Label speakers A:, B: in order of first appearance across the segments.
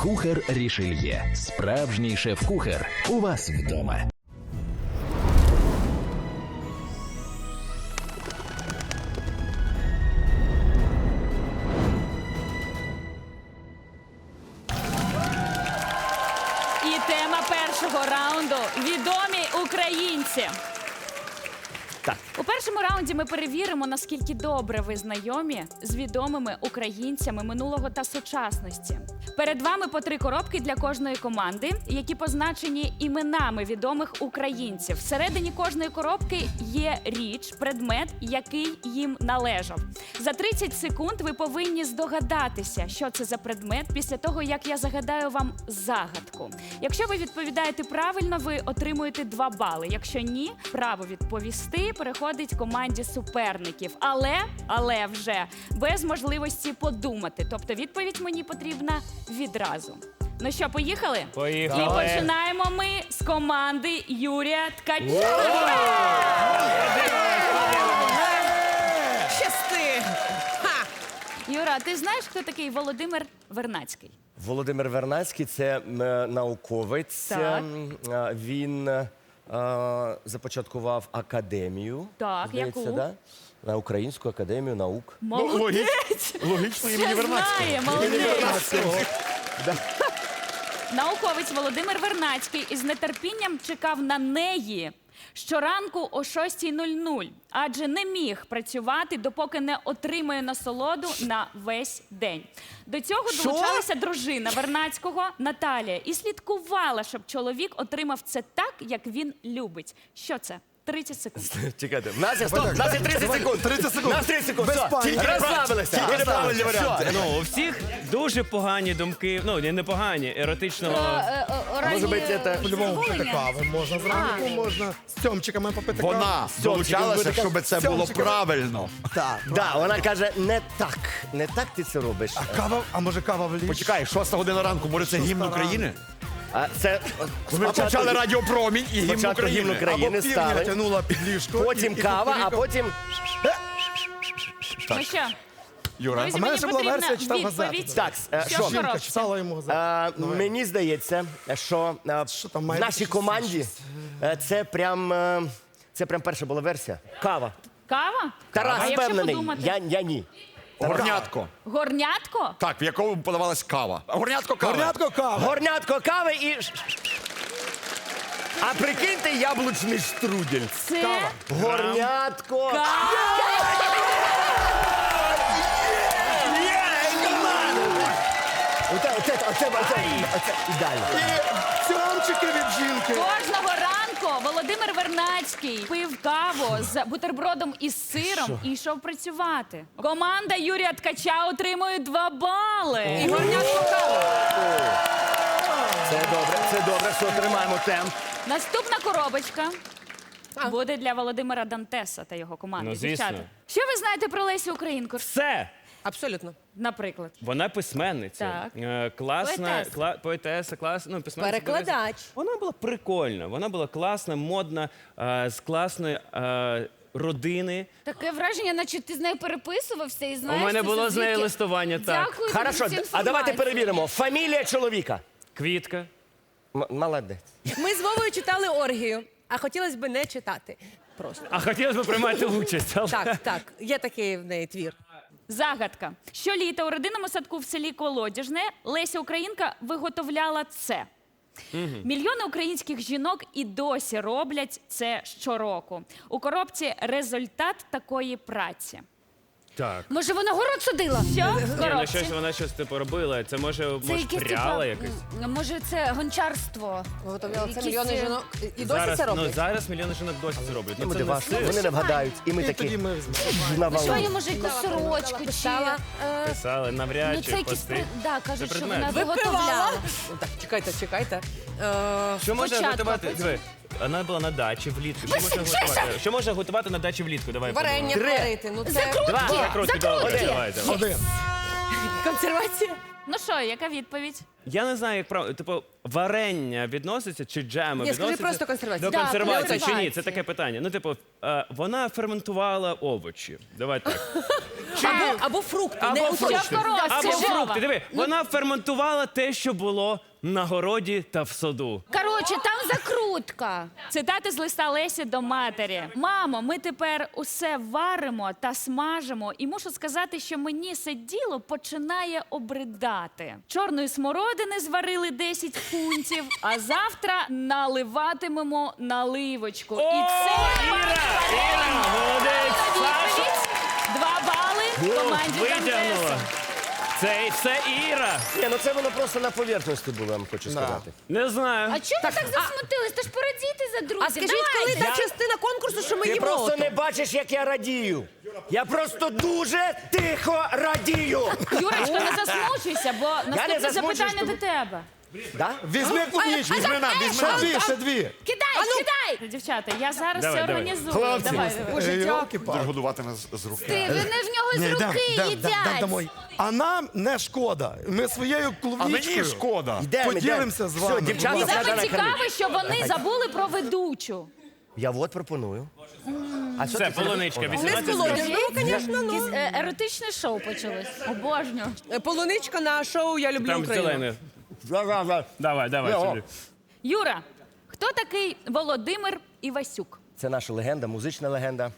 A: Кухар Рішельє. Справжній шеф-кухар. У вас вдома.
B: І тема першого раунду – відомі українці.
C: Так.
B: У першому раунді ми перевіримо, наскільки добре ви знайомі з відомими українцями минулого та сучасності. Перед вами по 3 коробки для кожної команди, які позначені іменами відомих українців. Всередині кожної коробки є річ, предмет, який їм належав. За 30 секунд ви повинні здогадатися, що це за предмет, після того, як я загадаю вам загадку. Якщо ви відповідаєте правильно, ви отримуєте 2 бали. Якщо ні, право відповісти переходить команді суперників. Але вже без можливості подумати. Тобто відповідь мені потрібна відразу. Ну що, поїхали?
D: Поїхали.
B: І починаємо ми з команди Юрія Ткача.
E: Щасти!
B: Юра, ти знаєш, хто такий Володимир Вернадський?
C: Володимир Вернадський – це науковець.
B: Так.
C: Він започаткував академію.
B: Так,
C: здається,
B: яку?
C: да? На Українську академію наук.
B: Молодець!
D: Логічно імені
B: Все знає, молодець! Науковець Володимир Вернадський із нетерпінням чекав на неї щоранку о 6:00, адже не міг працювати, допоки не отримає насолоду на весь день. До цього долучалася дружина Вернадського Наталія і слідкувала, щоб чоловік отримав це так, як він любить. Що це? 30 секунд.
C: Чекайте, в нас є 30 секунд.
D: 30 секунд.
C: У нас 30 секунд.
D: Без
C: Все.
D: паніки.
C: Тільки розслабилися.
D: Тільки неправильні варіанти.
F: Ну, у всіх дуже погані думки, ну, не погані, еротичного.
C: Може бути, це...
E: По-любому
G: Попити кави можна зранку, можна з цьомчиками попити каву.
D: Вона долучалася, щоб це було правильно.
G: Так.
C: Да, вона каже, не так ти це робиш.
G: А може кава в ліс?
D: Почекай, 6 година ранку, може це гімн України?
C: А це
D: Ми почали радіопромінь і гімн
C: спочатку гімн
D: України.
C: України
G: Або півня
C: стали,
G: тянула під ліжко.
C: потім
G: і
C: кава, а потім...
B: Ну що,
D: Юра,
B: друзі,
G: А в мене
B: мені
G: ще була
B: потрібна
G: версія, читав
B: відповідь.
G: газету.
C: Так,
B: Що
C: що?
B: в
G: Жінка
B: коробці?
G: читала йому газету.
C: Мені здається, що
G: Що там має
C: в
G: бути
C: нашій
G: щось
C: команді
G: інше?
C: це прям перша була версія. Кава.
B: Кава?
C: Тарас
B: А якщо
C: впевнений,
B: подумати?
C: я ні.
D: горнятко.
B: Горнятко?
D: Так, в якому подавалась кава. Горнятко кави.
G: Горнятко кава.
C: Горнятко кави і... А прикиньте, яблучний штрудель.
B: Це
C: Горнятко. Оце ідеально.
G: Цьомчики від жінки.
B: Кожного ранку Володимир Вернадський пив каву з бутербродом із сиром і йшов працювати. Команда Юрія Ткача отримує 2 бали. І горнятку каву.
C: Це добре, що тримаємо темп.
B: Наступна коробочка буде для Володимира Дантеса та його команди.
F: Ну, звісно.
B: Дівчата, що ви знаєте про Лесю Українку?
F: Все!
E: Абсолютно.
B: Наприклад.
F: Вона письменниця, класна, поетеса, класна, ну, письменниця.
E: Перекладач.
F: Вона була прикольна, вона була класна, модна, з класної родини.
H: Таке враження, наче ти з нею переписувався і знаєш.
F: У мене
H: це
F: було з
H: завдяки-
F: нею листування, так.
H: Дякую тобі
C: Хорошо,
H: за цю
C: а
H: інформацію.
C: давайте перевіримо. Фамілія чоловіка.
F: Квітка.
C: Молодець.
E: Ми з Вовою читали оргію, а хотілося б не читати. Просто.
F: А хотілося б приймати участь. Але...
E: Так, є такий в неї твір.
B: Загадка. Щоліта у родинному садку в селі Колодяжне Леся Українка виготовляла це. Мільйони українських жінок і досі роблять це щороку. У коробці результат такої праці.
F: Так.
H: Може, вона город садила?
B: Що в
F: Ні, ну
B: коробці?
F: вона щось типу робила. Це може
H: якесь,
F: пряла
H: типа,
F: якось.
H: Може, це гончарство.
E: Виготовляла це
H: Якісь,
E: мільйони жінок. І досі
F: Зараз,
E: це роблять?
F: зараз мільйони жінок досі це роблять. Ну,
C: Буде
F: це не
C: важко.
F: сир.
C: Вони не вгадають. І ми
G: І
C: такі
G: тоді ми візьмемо.
C: навалили.
H: Що, може, якусь сорочку чи...
E: Писала.
F: Писали, навряд
H: Ну,
F: чи
H: це якісь...
F: пости.
H: Да, кажуть,
F: Це
H: що
F: предмет.
H: вона виготовляла.
E: Ну, так, чекайте.
F: Що можна
B: Спочатку,
F: готувати?
B: потім.
F: Диви, вона була на дачі влітку. Що можна готувати? Що можна готувати на дачі влітку? Давай.
E: Варення
C: Три.
E: варити. Ну, це
H: Закрутки!
F: Закрутки,
H: Закрутки!
F: давайте.
C: Один.
E: консервація.
B: Ну що, яка відповідь?
F: Я не знаю, як правильно, типу, варення відноситься чи джеми
E: Ні, скажи
F: відноситься
E: просто консервація.
F: до
H: Да,
F: консервації чи ні?
H: консервація.
F: Це таке питання. Ну, типу, вона ферментувала овочі. Давай так.
E: Або фрукти,
F: Або
E: не
F: фрукти.
B: Що в коробці,
F: Або
B: Вова?
F: фрукти. Диви, вона ферментувала те, що було на городі та в саду.
H: Коротше, там закрутка.
B: Цитати з листа Лесі до матері. Мамо, ми тепер усе варимо та смажимо, і мушу сказати, що мені це діло починає обридати. Чорної смородини зварили 10 фунтів, а завтра наливатимемо наливочку. І це
F: Іра, молодець! Саша,
B: 2 бали команді
F: витягнула.
B: Дантеса.
F: Це все Іра.
C: Ні, ну це воно просто на поверхності було, я вам хочу сказати.
F: Не знаю.
H: А чому ви так засмутились? Та ж порадійте за друзів.
E: А скажіть, коли та частина конкурсу, що ми
C: Ти
E: їмо?
C: просто не бачиш, як я радію. Я просто дуже тихо радію.
B: Юрочка, не засмучуйся, бо наступне
C: засмучуюсь,
B: запитання
C: тому-
B: до тебе.
C: Да?
G: Візьми клубничку.
E: Візьми
G: Ще дві, ще дві.
H: Кидай, кидай!
B: Дівчата, я зараз
F: Давай,
B: все
F: давай.
B: організую.
G: Хлопці,
B: Давай.
D: Будеш годувати нас з руки.
H: Ти, вони в нього з руки їдять.
G: дамо. А нам не шкода. Ми своєю
D: А мені
G: клубничкою
D: шкода.
C: Йдемо,
G: поділимося з вами.
C: Все, дівчата,
G: будь ласка.
C: треба
B: Саме
C: накормити.
B: цікаве, що вони забули про ведучу.
C: Я от пропоную. А що
F: Це
C: ти
F: полуничка,
C: зробиш?
F: 18
E: Не з
F: гривень.
E: полонів. Ну, звісно, ну.
H: Якесь еротичне шоу почалось.
B: Обожнюю.
E: Полуничка на шоу «Я люблю
F: Там
E: Україну».
F: зелене.
C: Ра-ра-ра.
F: Давай
C: Йо.
F: сюди.
B: Юра, хто такий Володимир Івасюк?
C: Це наша легенда, музична легенда.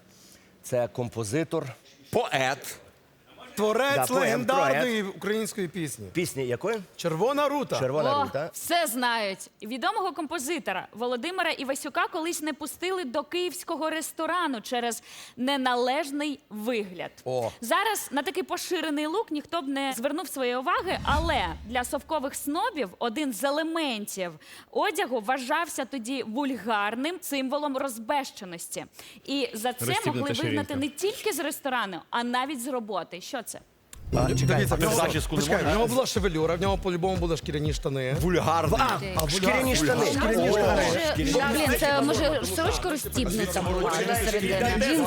C: Це композитор.
D: Поет.
G: Творець
C: Да, поет,
G: легендарної української пісні.
C: Пісні якої?
G: Червона рута.
C: Червона
B: О,
C: рута.
B: все знають. Відомого композитора Володимира Івасюка колись не пустили до київського ресторану через неналежний вигляд.
C: О.
B: Зараз на такий поширений лук ніхто б не звернув своєї уваги, але для совкових снобів один з елементів одягу вважався тоді вульгарним символом розбещеності. І за це
F: Розстібнута
B: могли вигнати
F: ширинка.
B: не тільки з ресторану, а навіть з роботи. Що це?
G: Дивіться, в нього,
D: зачіску не
G: почекай, в
D: можна?
G: нього була шевелюра, в нього по-любому були шкіряні штани.
D: Вульгарний.
C: Шкіряні штани. Шкіряні штани.
H: Блін, це може сорочка розстібнуться була середини.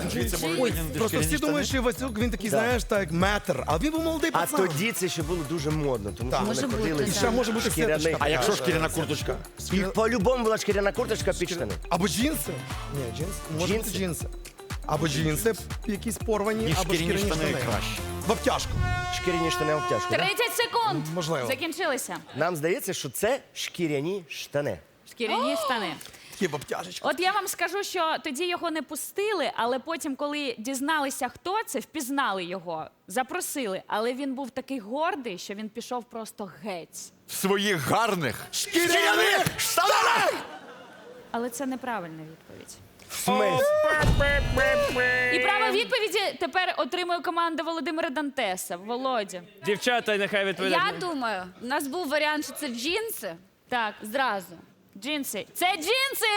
G: Ой, просто всі думають, що Івасюк, він такий, знаєш, так, метр, а він був молодий
C: А
G: пацан.
C: тоді це ще було дуже модно, тому що
H: Може
C: вони
H: бути,
C: ходили.
H: так.
C: в
G: Ще може бути
C: шкіряних.
G: сіточка.
D: А якщо шкіряна курточка?
C: І по-любому була шкіряна курточка під штани.
G: Або джинси. Ні, джинси. Може бути
C: Джинси.
G: джинси. Або джинси якісь порвані,
D: І
G: або
D: шкіряні штани краще.
G: В обтяжку.
C: Шкіряні штани обтяжку. да?
B: 30 секунд!
G: Можливо.
B: Закінчилися.
C: Нам здається, що це шкіряні штани.
B: Шкіряні штани.
G: Такі в обтяжечку.
B: От я вам скажу, що тоді його не пустили, але потім, коли дізналися, хто це, впізнали його, запросили. Але він був такий гордий, що він пішов просто геть.
D: В своїх гарних
G: Шкіряних
D: штанах!
B: Але це неправильна відповідь.
C: Смесь.
B: І право відповіді тепер отримує команда Володимира Дантеса. Володя.
F: Дівчата, нехай відповідають.
H: Я думаю, у нас був варіант, що це джинси.
B: Так,
H: Зразу.
B: джинси. Це джинси!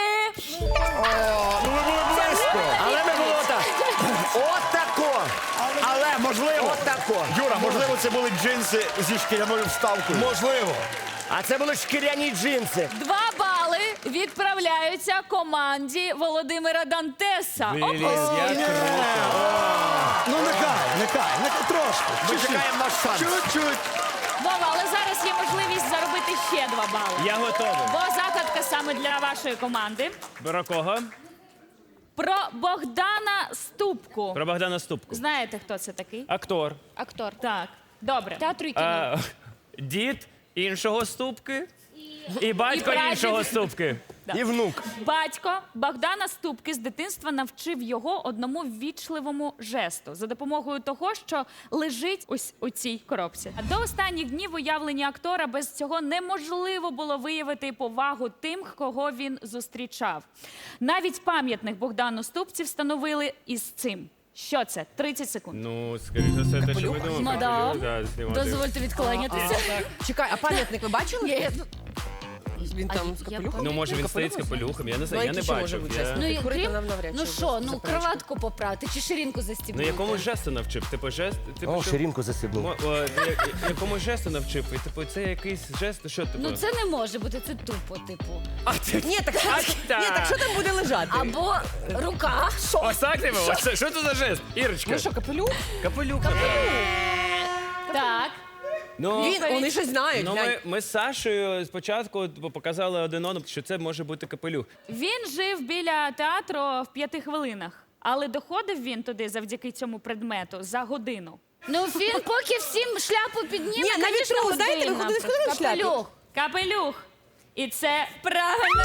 C: Але не було так. Отако.
D: Але, можливо,
C: Отако.
D: Юра, можливо, це були джинси зі шкіряною вставкою.
G: Можливо.
C: А це були шкіряні джинси.
B: 2 бали відправляються команді Володимира Дантеса.
F: Блін,
B: Опа!
F: як
G: Ну нехай, трошки.
D: Ми
G: Чуть-чуть.
D: чекаємо наш шанс.
G: Чуть-чуть.
B: Вова, але зараз є можливість заробити ще 2 бали.
F: Я готовий.
B: Бо загадка саме для вашої команди.
F: Про кого?
B: Про Богдана Ступку.
F: Про Богдана Ступку.
B: Знаєте, хто це такий?
F: Актор.
H: Актор.
B: Так, добре.
H: Театру і кіно.
F: А, дід іншого Ступки і батько
B: І прадід.
F: іншого Ступки.
C: І внук.
B: Батько Богдана Ступки з дитинства навчив його одному ввічливому жесту за допомогою того, що лежить ось у цій коробці. А до останніх днів уявлення актора без цього неможливо було виявити повагу тим, кого він зустрічав. Навіть пам'ятник Богдану Ступці встановили із цим. Що це? 30 секунд.
F: Ну, скоріше за все, те, що ми думали.
H: Мадам,
F: Да, знімати.
H: дозвольте відклонятися.
E: Чекай, а пам'ятник ви бачили? Він там з
H: я
E: капелюхом?
F: Ну, може, він стоїть з капелюхом, я не знаю, я не бачив. Я...
H: Ну, і
E: Курити
H: крім,
E: нам навряд чи
H: ну що, ну
E: заперечують.
H: кроватку попрати чи ширинку
F: Ну,
H: застібнути?
F: якомусь жесту навчив. Типу, жест... Типу,
C: О,
F: що-
C: ширинку засибнув.
F: Якомусь жесту навчив. І, типу, це якийсь жест, що, типу?
H: Ну це не може бути, це тупо, типу.
E: Ні, так що там буде лежати?
H: Або рука.
F: Ось так, типу? Ось що це за жест? Ірочка.
E: Ну що, капелюх?
F: Капелюх.
B: Так.
F: Ну,
E: Вони щось знають.
F: ну
E: глянь.
F: ми з Сашею спочатку показали один одному, що це може бути капелюх.
B: Він жив біля театру в 5 хвилинах, але доходив він туди завдяки цьому предмету за годину.
H: Ну він поки всім шляпу підніме,
E: Ні, навіть
H: звісно,
E: ви знаєте, ви
H: година.
E: ходили в шляпі.
H: Капелюх.
B: Капелюх. І це правильно.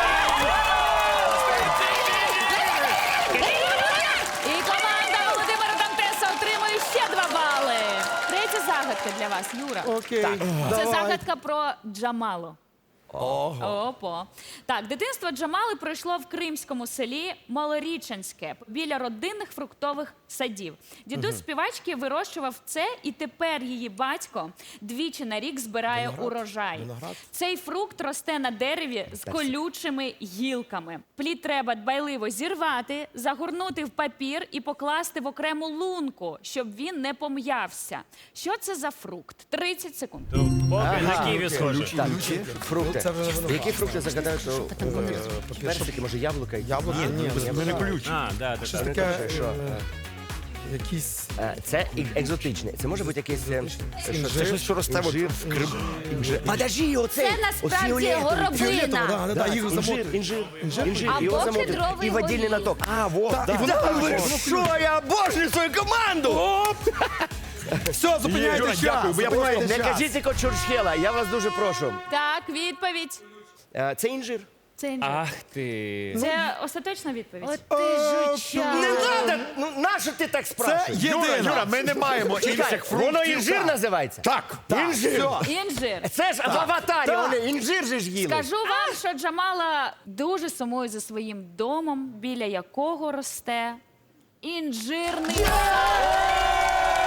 B: І команда Володимира Дантеса отримує ще 2 бали. Третя загадка для вас, Юра.
G: Окей.
B: Це
G: Давай.
B: загадка про Джамалу. Опо. Так, дитинство Джамали пройшло в кримському селі Малоріченське біля родинних фруктових садів. Дідусь співачки вирощував це, і тепер її батько двічі на рік збирає урожай. Цей фрукт росте на дереві з колючими гілками. Плід треба дбайливо зірвати, загорнути в папір і покласти в окрему лунку, щоб він не пом'явся. Що це за фрукт? 30 секунд.
F: Поки на ківі схоже.
C: Так, фрукти.
G: Це вже воно.
C: Які фрукти загадають, що персики, може яблука?
G: Яблуко? Ні,
D: Ми не ключ.
F: А, да,
G: щось
F: так.
G: таке,
C: що?
G: якісь...
C: Це екзотичне. Це може бути якесь...
D: Це щось, що росте от в Крим.
C: Подожди, оцей!
H: Це насправді
G: Фіолетово,
H: горобина.
G: да, їх замотують.
C: Інжир.
H: Або
C: Його
H: кедровий
C: і водільний
H: горіх.
C: наток. А, вот,
G: Так,
C: да.
G: і воно
C: Ви що, я обожнюю свою команду!
G: Все, зупиняйте
D: Юра,
G: час.
D: дякую, бо я
G: зупиняйте
C: Не
G: час.
C: кажіть тільки Чурчхела, я вас дуже прошу.
B: Так, відповідь.
C: Це інжир.
B: Це інжир.
F: Ах ти.
B: Це остаточна відповідь.
H: От ти жуча.
C: Не треба! Ну, нащо ти так
G: Це
C: спрашуєш?
G: єдина.
D: Юра, ми не маємо
C: Чекай,
D: інших фруктів.
C: воно інжир називається?
D: Так.
C: Інжир.
G: Все.
B: Інжир.
C: Це ж в аватарі, вони інжир же ж їли.
B: Скажу вам, що Джамала дуже сумує за своїм домом, біля якого росте інжирний сад.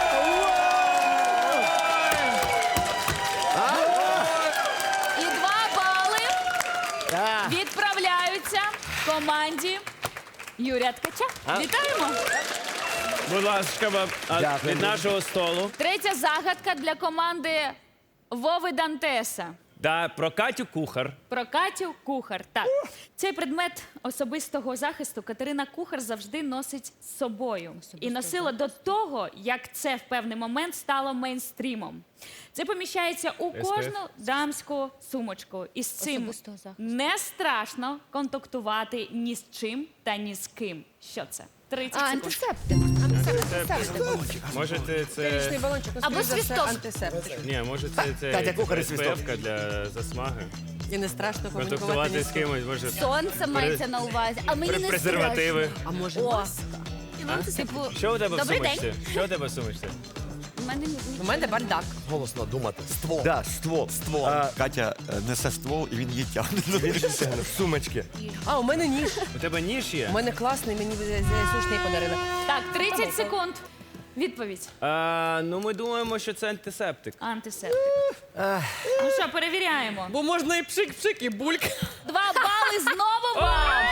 B: І 2 бали
C: Так.
B: відправляються команді Юрія Ткача. Вітаємо!
F: Будь ласка,
C: Дякую.
F: від нашого столу.
B: Третя загадка для команди Вови Дантеса.
F: Да, про Катю Кухар.
B: Про Катю Кухар. Так, цей предмет особистого захисту Катерина Кухар завжди носить з собою. І носила до того, як це в певний момент стало мейнстрімом. Це поміщається у кожну дамську сумочку. І з цим
H: Особистого захисту.
B: не страшно контактувати ні з чим та ні з ким. Що це? 30 секунд.
H: Антисептик.
F: Може це...
E: Річний балончик, ну,
H: Або
E: скоріш за все,
H: свисток.
E: антисептик.
F: Ні, може це
C: Катя Кухар і свисток.
F: СПФ-ка для засмаги.
E: І не страшно комунікувати
F: Контактувати
E: ні
F: з
E: з ким.
F: кимось, може...
H: Сонце мається на увазі. А мені не
F: презервативи.
H: страшно.
E: А може,
H: О.
E: маска?
H: Типу,
F: Що у тебе в
H: Добрий
F: сумочці? Що у тебе в сумочці?
H: в мене
E: У мене бардак.
D: Голосно думати. Ствол.
C: Да, ствол.
D: Ствол. Катя несе ствол і він її тягне.
C: Сумочки.
E: А, у мене ніж.
F: У тебе ніж є?
E: У мене класний, мені сушний подарили.
B: Так, 30 секунд. Відповідь.
F: Ну, ми думаємо, що це антисептик.
B: Антисептик. Ну що, перевіряємо.
E: Бо можна і пшик-пшик, і бульк.
B: 2 бали знову вам.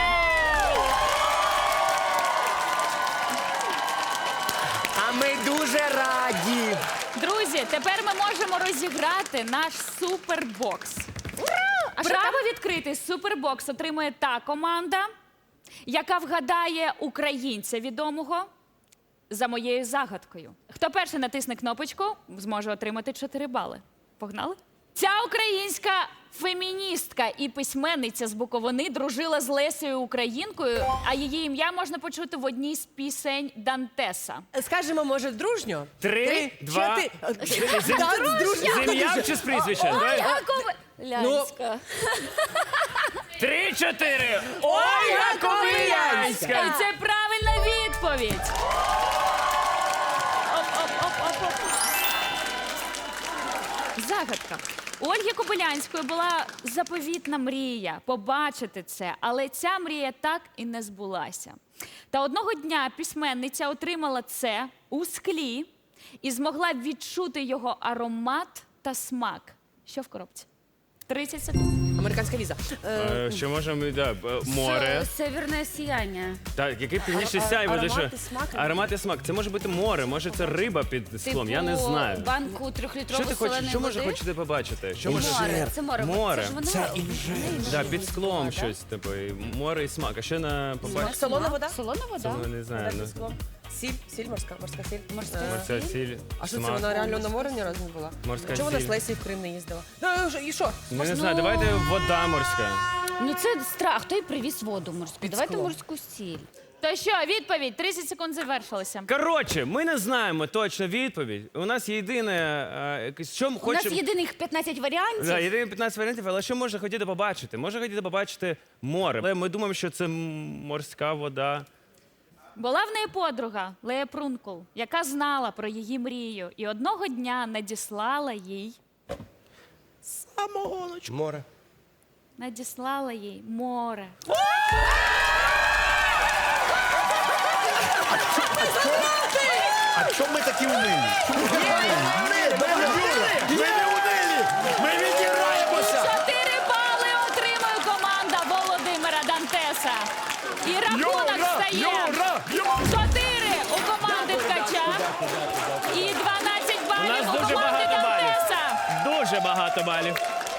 C: А ми дуже раді.
B: Друзі, тепер ми можемо розіграти наш супербокс. Право відкрити супербокс отримує та команда, яка вгадає українця відомого за моєю загадкою. Хто перший натисне кнопочку, зможе отримати 4 бали. Погнали? Ця українська феміністка і письменниця з Буковини дружила з Лесею Українкою, а її ім'я можна почути в одній з пісень Дантеса.
E: Скажемо, може, дружньо?
F: 3, 2... З ім'ям чи з прізвищем? Давай.
B: Яков
H: Лянська.
F: 3, 4. Ольга Ковилянська!
B: І це правильна відповідь. Оп. Загадка. У Ольги Кобилянської була заповітна мрія побачити це, але ця мрія так і не збулася. Та одного дня письменниця отримала це у склі і змогла відчути його аромат та смак. Що в коробці? 30 секунд.
E: Американська віза.
F: Що можемо, море.
H: Северне сіяння.
F: Так, який північний сяйво,
E: аромат
F: що?
E: і смак?
F: Аромат і смак. Це може бути море, може це риба під склом, я не
H: Типу,
F: знаю.
H: банку
F: Що
H: 3-літрову
F: ти хочеш,
H: соленої
F: що може
H: води.
F: хочете побачити? Що може?
H: Море. Це море.
F: Море.
H: Це ж воно...
F: Да, під склом щось, типу, і море і смак. А що на побачити?
E: Солона вода?
H: Солона вода.
F: Ну, не знаю.
E: Вода
F: Ну,
E: під склом. Сіль морська сіль.
F: Морська сіль.
E: А що це,
F: смак.
E: вона реально на море ні разу не була?
F: Морська
E: Чому вона
F: сіль.
E: з Лесі в Крим не їздила? Ну, і що?
F: Ну, не знаю, давайте вода морська.
H: Ну це страх, той привіз воду морську. Давайте
E: склом.
H: морську сіль.
B: То що, відповідь? 30 секунд завершилося.
F: Коротше, ми не знаємо точно відповідь. У нас є єдине, що
H: У нас
F: хочемо...
H: єдиних 15 варіантів.
F: Да, єдине 15 варіантів, але що може хотіти побачити? Може хотіти побачити море. Але ми думаємо, що це морська вода.
B: Була в неї подруга Лея Прункул, яка знала про її мрію і одного дня надіслала їй
C: Море.
B: море.
D: А чому ми такі унилі? Ми не унилі! Ми відіграємося!
B: 4 бали отримує команда Володимира Дантеса. І рахунок стає 4 у команди Ткача і 12
F: У
B: балів
F: нас
B: у
F: дуже
B: команди
F: багато балів.
B: Дантеса.
F: Дуже багато балів.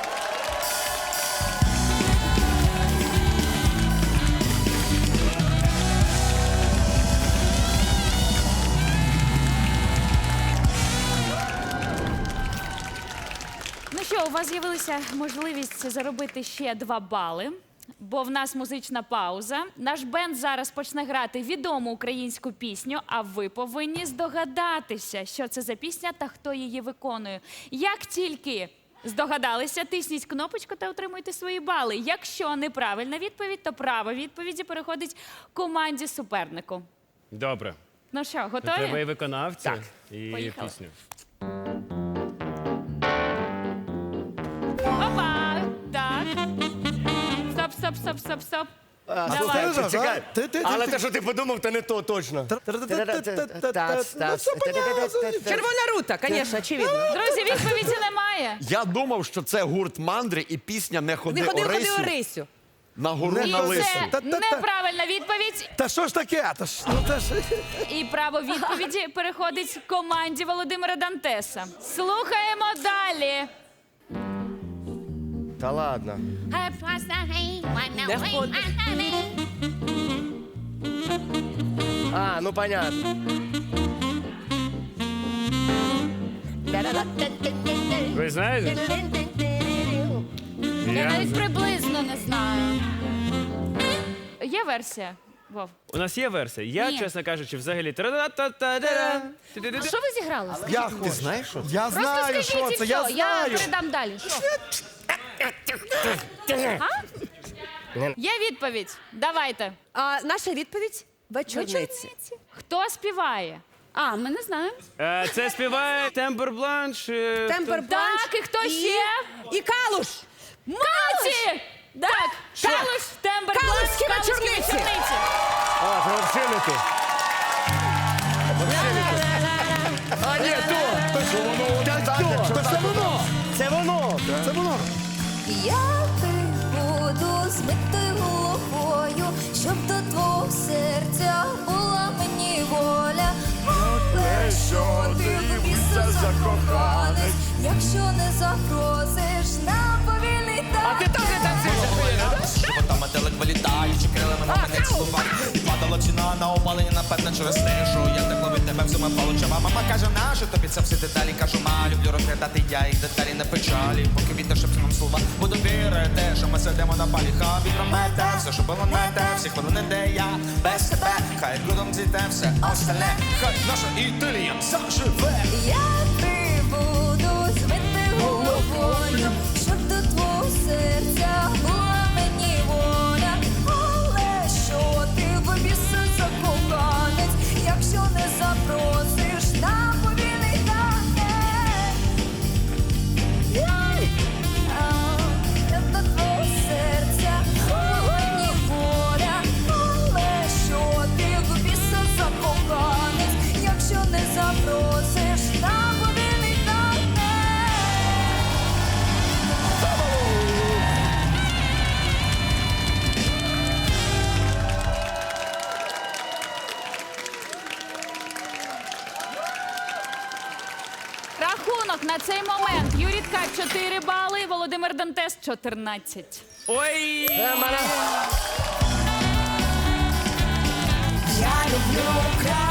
B: Ну що, у вас з'явилася можливість заробити ще 2 бали, бо в нас музична пауза. Наш бенд зараз почне грати відому українську пісню, а ви повинні здогадатися, що це за пісня та хто її виконує. Як тільки здогадалися, тисніть кнопочку та отримуйте свої бали. Якщо неправильна відповідь, то право відповіді переходить команді супернику.
F: Добре.
B: Ну що,
F: Треба
B: готові?
F: і виконавця, і
B: Поїхали.
F: пісню.
B: Опа! Так. Стоп. Давай.
G: Ти,
C: Чекай.
G: ти.
C: Але те, що ти подумав, то не то точно.
E: Червона рута, звісно, очевидно.
B: Друзі, відповіді немає.
D: Я думав, що це гурт мандри і пісня «Не ходи,
E: Не ходи, ходи
D: Орисю»
E: Орисю.
D: на гору
B: І
D: на лису.
B: це неправильна відповідь.
G: Та що ж таке?
B: І право відповіді переходить команді Володимира Дантеса. Слухаємо далі.
C: Та ладно.
E: Не ходи.
C: А, ну понятно.
F: Ви знаєте?
H: Я навіть приблизно не знаю.
B: Є версія, Вов?
F: У нас є версія. Я,
H: Ні.
F: чесно кажучи, взагалі... тра-та-та-та-та-та.
H: А що ви зіграли?
G: Я хочу.
C: Ти знаєш що?
G: Я
H: Просто
G: знаю, що
H: скажіть і
G: це,
H: все,
G: я
H: я
G: знаю.
H: передам далі. Що?
B: Є відповідь. Давайте.
E: А наша відповідь – вечорниці.
B: Хто співає?
H: А, ми не знаємо.
F: Це співає Тембер Бланш.
E: Темпер Бланш.
B: Так, і хто ще?
E: І Калуш.
B: Молодці! Так, Калуш, Тембер,
E: Калушські
B: Бланш, Калушські
E: вечорниці.
B: вечорниці.
C: А, це взагалі не ти. А, ні, то.
D: Та що воно?
C: Це воно. Це воно.
G: Це воно.
I: Я буду збити головою, щоб до твого серця була мені воля. Але що ти в біса закоханець, якщо не запросиш на повільний танець.
C: А ти теж танцюєш?
J: Животами телек вилітаючи крилами на мене цілував. І падала ціна на опалення, напевно, через те, що я так ловив тебе всіма паличами. Мама каже, нащо тобі це всі деталі? Кажу, люблю розглядати я їх деталі на печалі. Поки вітер шепче нам слова, буду вірити, що ми сидимо на палі. Хай вітром мете, все, що було мете, всі хвилини, де я без тебе. Хай гудом зійде все остальне, хай наша ідилія заживе.
I: Я буду збити головою, щоб до твого серця була мені воля. Але що ти в біса закоханець, якщо не запросиш на повільний танець. До твого серця була мені воля. Але що ти в біса закоханець, якщо не запросиш на повільний танець.
B: Рахунок на цей момент. Юрій Ткач 4 бали, Володимир Дантес 14.
F: Ой!
I: Я люблю Україну.